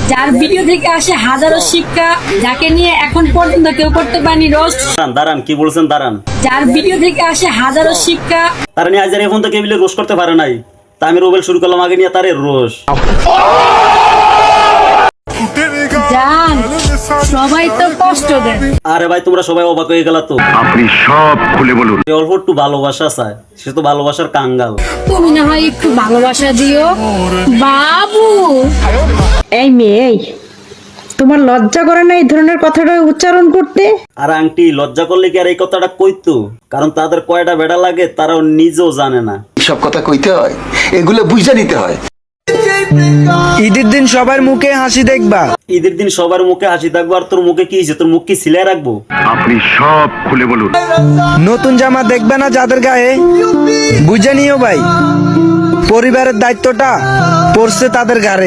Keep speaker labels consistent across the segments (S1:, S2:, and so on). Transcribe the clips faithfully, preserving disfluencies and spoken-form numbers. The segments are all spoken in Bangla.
S1: যার ভিডিও থেকে আসে হাজারো শিক্ষা, যাকে নিয়ে এখন পর্যন্ত কেউ করতে পারেনি রোস্ট।
S2: দাঁড়ান দাঁড়ান কি বলছেন দাঁড়ান।
S1: যার ভিডিও থেকে আসে হাজারো শিক্ষা,
S2: তারা নিয়ে আজ আর এখন তো কেবিলে রোশ করতে পারে নাই, তা আমি রোবেল শুরু করলাম আগে নিয়ে তারে রোশ।
S1: জান সবাই তো কষ্ট দেয়।
S2: আরে ভাই তোমরা সবাই অবাক হয়ে গেলা তো।
S3: আপনি সব খুলে বলুন।
S2: যে অল্প একটু ভালোবাসা চায় সে তো ভালোবাসার কাঙ্গাল।
S1: তুমি না হয় একটু ভালোবাসা দিও বাবু।
S4: এই মেয়ে, এই তোমার লজ্জা করে না এই ধরনের কথাটা উচ্চারণ করতে?
S2: আর আংটি লজ্জা করলে কি আর এই কথাটা কইতো? কারণ তাদের কয়টা বেড়া লাগে তারাও নিজেও জানে না।
S5: সব কথা কইতে হয়, এগুলো বুঝে নিতে হয়।
S6: ঈদের দিন সবার মুখে হাসি দেখবা।
S2: ঈদের দিন সবার মুখে হাসি থাকবো, আর তোর মুখে কি হয়েছে? তোর মুখ কি সিলাই রাখবো?
S3: আপনি সব খুলে বলুন।
S6: নতুন জামা দেখবে না যাদের গায়ে, বুঝে নিও ভাই, পরিবারের দায়িত্বটা পড়ছে তাদের ঘাড়ে।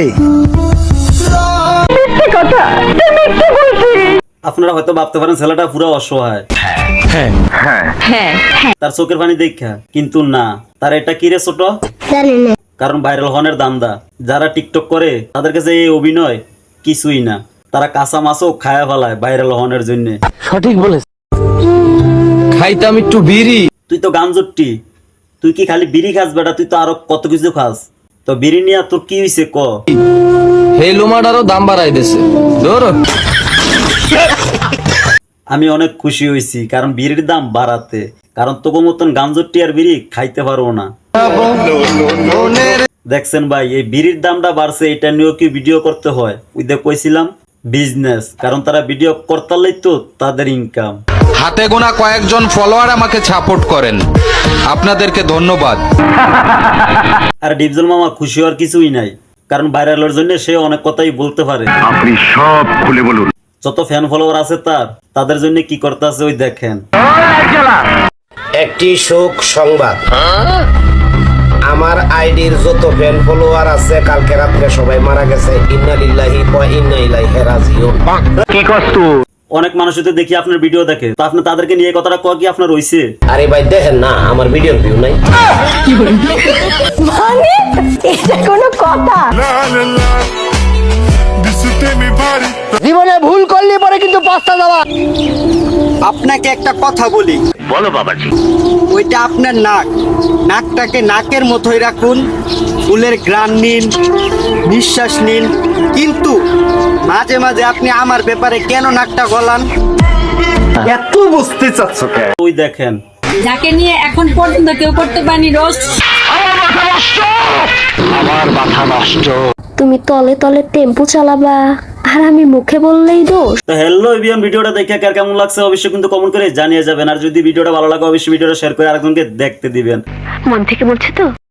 S2: আপনারা হয়তো ভাবতে পারেন ছেলেটা পুরো অসহায়,
S6: হ্যাঁ
S3: হ্যাঁ,
S2: তার চোখের পানি দেখা, কিন্তু না, তার এটা কি রে ছোট? কারণ ভাইরাল হনের দান্দা। যারা টিকটক করে তাদের কাছে এই অভিনয় কিছুই না, তারা কাঁচা মাছও খায়া ফেলায় ভাইরাল হনের জন্য।
S7: খাইতাম একটু বিড়ি।
S2: তুই তো গাঞ্জুট্টি, তুই কি খালি বিড়ি খাস বেটা? তুই তো আরো কত কিছু খাস। তো বিড়ি নিয়ে তোর কি হয়েছে ক?
S7: এই লোমাটারও দাম বাড়াই দিছে। ধরো
S2: আমি অনেক খুশি হয়েছি কারণ বিড়ির দাম বাড়াতে, কারণ তোকে মতন গাঞ্জুট্টি আর বিড়ি খাইতে পারবো না। দেখছেন ভাই, এই বিড়ির দামটা বাড়ছে, এটা নিয়েও কি ভিডিও করতে হয়? ওই দেখ কইছিলাম বিজনেস, কারণ তারা ভিডিও করতালেই তো তাদের ইনকাম।
S7: হাতে গোনা কয়েকজন ফলোয়ার আমাকে সাপোর্ট করেন, আপনাদেরকে ধন্যবাদ।
S2: আর ডিপজল মামা খুশি হওয়ার কিছুই নাই, কারণ ভাইরালের জন্য সে অনেক কথাই বলতে পারে।
S3: আপনি সব খুলে বলুন।
S2: যত ফ্যান ফলোয়ার আছে তার, তাদের জন্য কি করতে আছে ওই দেখেন।
S8: একটি শোক সংবাদ, আমার আইডির যত ফ্যান ফলোয়ার আছে কালকে রাত্রে সবাই মারা গেছে। ইন্না লিল্লাহি ওয়া ইন্না ইলাইহি রাজিউন।
S3: কি কষ্ট।
S2: অনেক মানুষ তো দেখি আপনার ভিডিও দেখে, তো আপনি তাদেরকে নিয়ে কথাটা কয় কি আপনার হইছে?
S8: আরে ভাই দেখেন না, আমার ভিডিওর ভিউ নাই।
S4: মানে এটা কোনো কথা?
S6: জীবনে ভুল করলে পরে কিন্তু পাঁচটা দেওয়া।
S9: আপনাকে একটা কথা বলি।
S3: বলো বাবাজি।
S9: ওইটা আপনার নাক, নাকটাকে নাকের মতোই রাখুন, ফুলের ঘ্রাণ নিন, নিঃশ্বাস নিন, কিন্তু মাঝে মাঝে আপনি আমার ব্যাপারে কেন নাকটা গলান?
S3: এত বুঝতে চাচ্ছ কেন?
S2: ওই দেখেন,
S1: যাকে নিয়ে এখন পর্যন্ত কেউ করতে পারেনি রোস্ট।
S3: আমার মাথা নষ্ট।
S10: তুমি তলে তলে টেম্পো চালাবা আর আমি মুখে বললেই দোষ।
S2: তো হ্যালো এভিএম, ভিডিওটা দেখে কার কেমন লাগছে অবশ্যই কিন্তু কমেন্ট করে জানিয়ে যাবেন। আর যদি ভিডিওটা ভালো লাগে অবশ্যই ভিডিওটা শেয়ার করে আরেকজনকে দেখতে দিবেন।
S10: মন থেকে বলছি তো।